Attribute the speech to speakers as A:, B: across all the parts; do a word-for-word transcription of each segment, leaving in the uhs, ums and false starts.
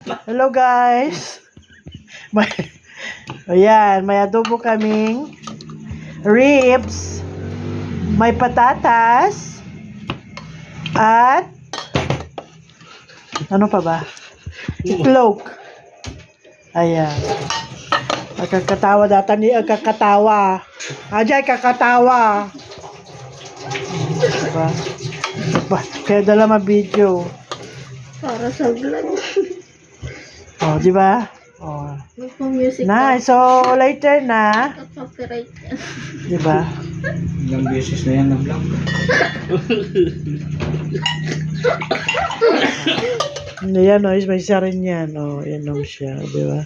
A: Hello guys. May, ayan, may adobo kaming ribs, may patatas, at ano pa ba? Itlog. Ayan. Agkakatawa data ni agkakatawa. Ajay, kakatawa. Diba? Diba? Kaya dala ma-video.
B: Para sa vlog.
A: Oh, di ba? Oh.
B: Magpa-music
A: Nice. So, later na.
B: Copyright yan.
A: Di ba?
C: Ilang beses na yan na vlog.
A: Yan, oh, may isa rin yan. Oh, yan lang siya. Di ba?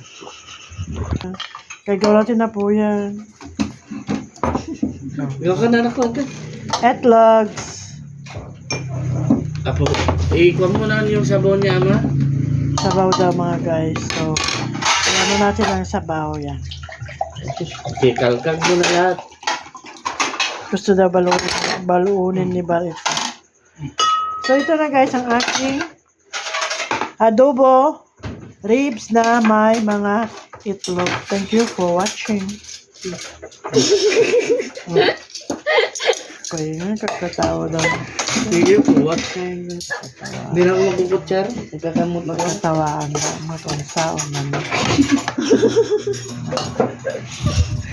A: Kaya natin na po yan.
C: Ikaw ka na nakuha ka.
A: Etlogs.
C: Apo, ikuha mo na yung sabaw niya, ama.
A: Sabaw daw mga guys. So, ano natin ang sabaw yan.
C: Kikalkag mo na lahat.
A: Gusto daw baluunin, baluunin ni Balit. So, ito na guys ang aking adobo ribs na may mga itlog. Thank you for watching. Oh. Kaya nga, kakatawa daw.
C: Sige po, what? Hindi na ako magkukutsar. Nagkakamot na ako.
A: Kakatawaan daw. Matawang saon naman.